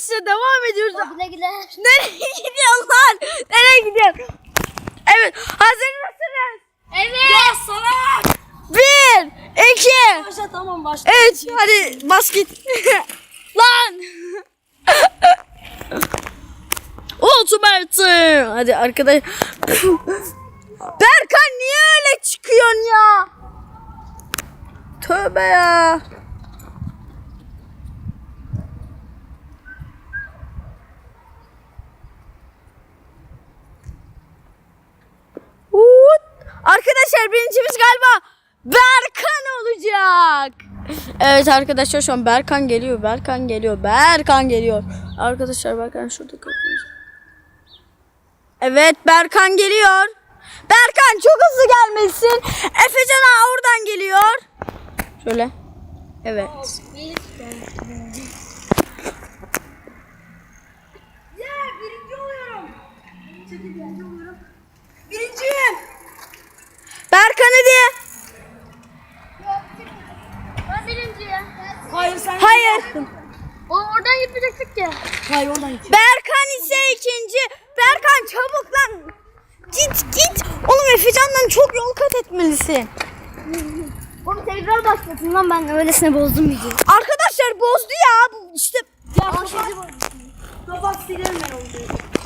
arkadaşlar devam ediyoruz. Güle güle. Nereye gidiyorlar? Nereye gidiyor? Evet, hazır mısınız? Evet. Ya sana. 1, 2, Başla tamam başla. 3, hadi bas git. Lan. Ultimate. Hadi arkadaş. Berkan niye öyle çıkıyorsun ya? Tövbe ya. Arkadaşlar birincimiz galiba Berkan olacak. Evet arkadaşlar şu an Berkan geliyor. Berkan geliyor. Berkan geliyor. Arkadaşlar Berkan şurada kapımız. Evet Berkan geliyor. Berkan çok hızlı gelmesin. Efecan ağa oradan geliyor. Şöyle. Evet. Ya birinci oluyorum. Birinci oluyorum. Birinciyim. Berkan hadi. Ben birinciyim. Hayır sen. Hayır. Oradan gitmeyecektik ya. Hayır oradan git. Berkan ise ikinci. Berkan çabuk lan. Git. Oğlum Efecan'dan çok yol kat etmelisin. Oğlum tekrar başlatın lan, ben öylesine bozdum videoyu. Arkadaşlar bozdu ya. İşte Ya kapat silerim ben onu.